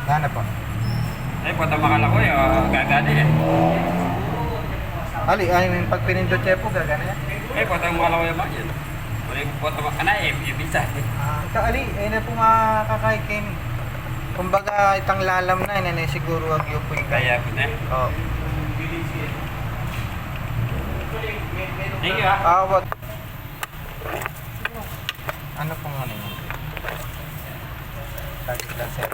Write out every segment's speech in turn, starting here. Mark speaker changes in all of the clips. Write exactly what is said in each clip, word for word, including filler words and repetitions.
Speaker 1: Gana po.
Speaker 2: Eh, punta makala ko eh, oh, gagana yan.
Speaker 1: Ali, ay, pag pinindot siya po, gagana yan.
Speaker 2: Eh, punta makala ko yung ba yun? Wala yung punta makana eh, ibisa eh.
Speaker 1: Ah, ka Ali, ay na po makakaikin. Kumbaga, itang lalam na, yun na siguro wag yung po yung
Speaker 2: Kaya po na.
Speaker 1: Oo.
Speaker 2: Thank you ah.
Speaker 1: Ah, what? Ano pong ano yun? Lagi lang sir.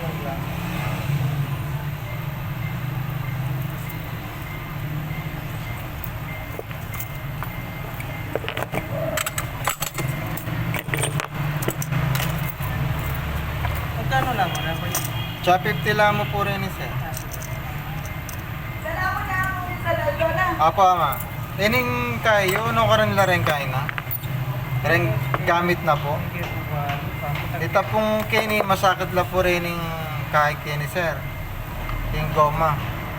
Speaker 3: Magkano lang mo na po yun?
Speaker 1: Cha fifty lang mo po rin eh, sir.
Speaker 4: Salamat na ako sa lalo na.
Speaker 1: Apo, ama. Ining kayo, no karon la rin kain na? Ren gamit na po.
Speaker 3: Hindi po ba?
Speaker 1: Ito pong kini, masakit la po rin yung kahit kini, sir. Yung goma.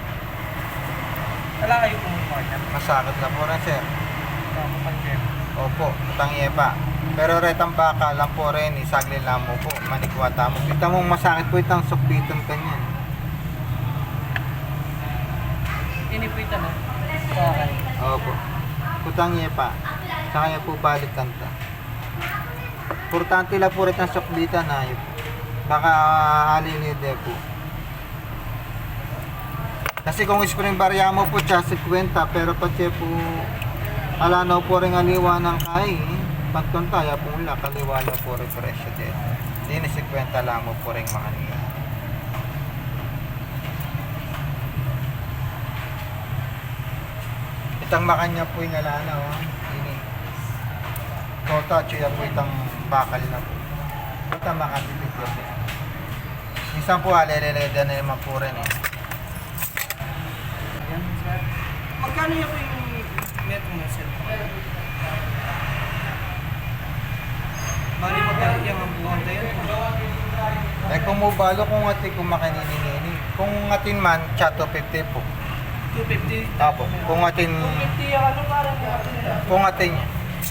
Speaker 3: Wala kayo pong partner.
Speaker 1: Masakit la po rin, sir.
Speaker 3: Tama pang jeff.
Speaker 1: Opo, utang pa. Pero retang baka lang po rin, isagli lang mo po, manikwata mo. Kita mong masakit po itang sukbitan kanyan.
Speaker 3: Inipitan na. Okay.
Speaker 1: Opo. Utang pa. Sa kanya po balik kanta. Importante lang po rin ang sukbitan na yun. Baka halilide po. Kasi kung spring barya mo po siya, fifty, pero pag siya po alanaw po rin aliwa ng kay, pagkuntaya po lang, kaliwa lang po rin presyo din. Hindi na fifty lang mo po rin mga niya. Itang makanya po yung alanaw, ini. Kota, siya po itang bakal na po. Ito makatipid po siya. Minsan po aleleleda na naman po rin eh.
Speaker 3: Ayan, sir. Magkano yung po yung metro na sir? Bali magkano yung ang buwan tayo?
Speaker 1: Eh kung mubalo kung ati kung makininingini. Kung atin man, cha two fifty po.
Speaker 3: two fifty.
Speaker 1: Tapo. Kung atin,
Speaker 3: two fifty yung ano parang yung
Speaker 1: kung atin niya.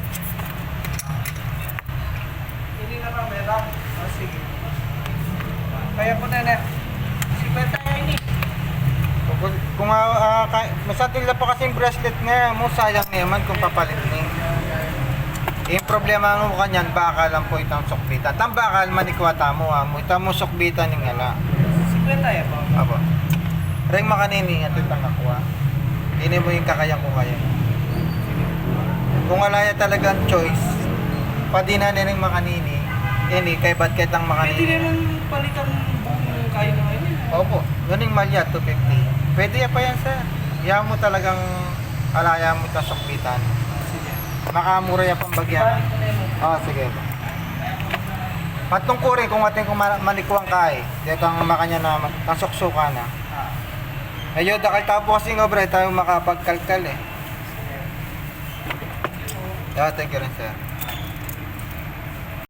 Speaker 3: hindi na kamera. Oh, sige. Kaya po na na. Sikwenta yan ini.
Speaker 1: Kung, kung uh, masatil na po kasi yung bracelet nga mo, sayang naman kung papalit niya. Yung problema mo kanyan, baka lang po itang sukbitan. Tang bakal manikwata mo ha, mo itang mo sukbitan ng ala.
Speaker 3: Sikwenta yan po.
Speaker 1: Apo. Reng makanini, ito itang nakuha. Hindi mo yung kakaya ko kaya. Kung wala ya talagang choice, padi na nining makanini, ini kay ba't kitang
Speaker 3: Pwede
Speaker 1: makanini.
Speaker 3: naman palitan buong kayo na ngayon.
Speaker 1: Opo, yun yung malya, two fifty. Pwede ya pa yan, sir. Iyan mo talagang alaya mo itang sukbitan.
Speaker 3: Sige.
Speaker 1: Makamura ya pang bagyan.
Speaker 3: Balik ko na yun.
Speaker 1: Oo, sige. Patungkurin kung ating kumalikuang kay, dito ang makanya na ang suksuka na.
Speaker 3: Ah.
Speaker 1: Ayun, dakal tapo kasi nga bre, tayo makapagkalkal eh. Yeah, thank you rin, sir.